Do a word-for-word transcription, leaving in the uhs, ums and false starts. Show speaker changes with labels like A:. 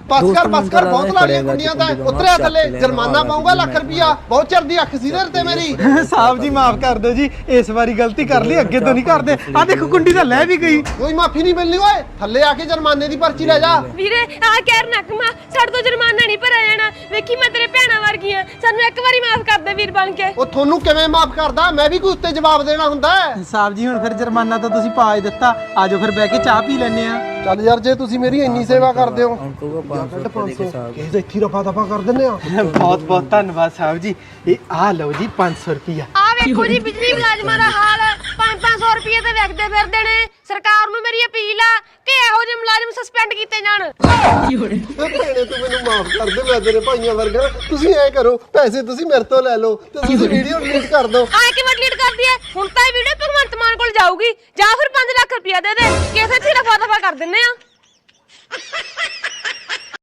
A: बस कर बस कर बहुत लालियां कुंडियां ता उतरे थल्ले जुर्माना पाऊंगा लाख रुपया बहुत चढ़ दी अख सी ते मेरी
B: साहब जी माफ कर दो जी इस बारी गलती कर ली अगे तो नहीं करदे आ देखो कुंडी तो लै भी गई
A: कोई माफी नहीं मिलनी ओए थल्ले आके जुर्माने दी पर्ची ले जा
C: ਵੀਰੇ ਆ ਕਹਿਰ ਨਕਮਾ ਸਾਡੇ ਤੋਂ ਜੁਰਮਾਨਾ ਨਹੀਂ ਭਰਿਆ ਜਾਣਾ ਵੇਖੀ ਮੈਂ ਤੇਰੇ ਭੈਣਾਂ ਵਰਗੀ ਆ ਸਾਨੂੰ ਇੱਕ ਵਾਰੀ ਮਾਫ ਕਰ ਦੇ ਵੀਰ ਬਣ ਕੇ
A: ਉਹ ਤੁਹਾਨੂੰ ਕਿਵੇਂ ਮਾਫ ਕਰਦਾ ਮੈਂ ਵੀ ਕੋਈ ਉੱਤੇ ਜਵਾਬ ਦੇਣਾ ਹੁੰਦਾ
B: साहब जी हुण फिर जुर्माना तो तुसी पा ही दिता आजो फिर बैठ के चाह पी लेने आ
A: ਚੱਲ ਯਾਰ ਜੇ ਤੁਸੀਂ ਮੇਰੀ ਇੰਨੀ ਸੇਵਾ ਕਰਦੇ ਹੋ ਪੰਜ ਸੌ ਕਿਸੇ ਦਾ ਇੱਥੇ ਰਫਾ ਦਫਾ ਕਰ ਦਿੰਨੇ ਆ
B: बहुत बहुत धन्यवाद साहब जी ये आ लो जी पाँच सौ रुपया
C: ਆ ਵੇਖੋ ਜੀ ਬਿਜਲੀ ਮੁਲਾਜ਼ਮਾਂ ਦਾ ਹਾਲ ਪੰਜ ਪੰਜ ਸੌ ਰੁਪਏ ਤੇ ਵਿਕਦੇ ਫਿਰਦੇ ਨੇ ਸਰਕਾਰ ਨੂੰ ਮੇਰੀ ਅਪੀਲ ਆ ਕਿ ਇਹੋ ਜਿਹੇ ਮੁਲਾਜ਼ਮ ਸਸਪੈਂਡ ਕੀਤੇ ਜਾਣ
A: ਭੈਣੇ ਤੂੰ ਮੈਨੂੰ ਮਾਫ ਕਰ ਦੇ ਮੈਂ ਤੇਰੇ ਭਾਈਆਂ ਵਰਗਾ ਤੁਸੀਂ ਐ ਕਰੋ ਪੈਸੇ ਤੁਸੀਂ ਮੇਰੇ ਤੋਂ ਲੈ ਲਓ ਤੇ ਤੁਸੀਂ ਵੀਡੀਓ ਡਿਲੀਟ ਕਰ ਦਿਓ
C: ਆ ਕਿਵੇਂ ਡਿਲੀਟ ਕਰਦੀ ਐ ਹੁਣ ਤਾਂ ਇਹ ਵੀਡੀਓ ਭਗਵੰਤ ਮਾਨ ਕੋਲ ਜਾਊਗੀ ਜਾਂ ਫਿਰ ਪੰਜ ਲੱਖ ਰੁਪਇਆ ਦੇ ਦੇ ਕਿਸੇ ਤੇ ਰਫਾ ਦਫਾ ਕਰ ਦਿੰਨੇ ਆ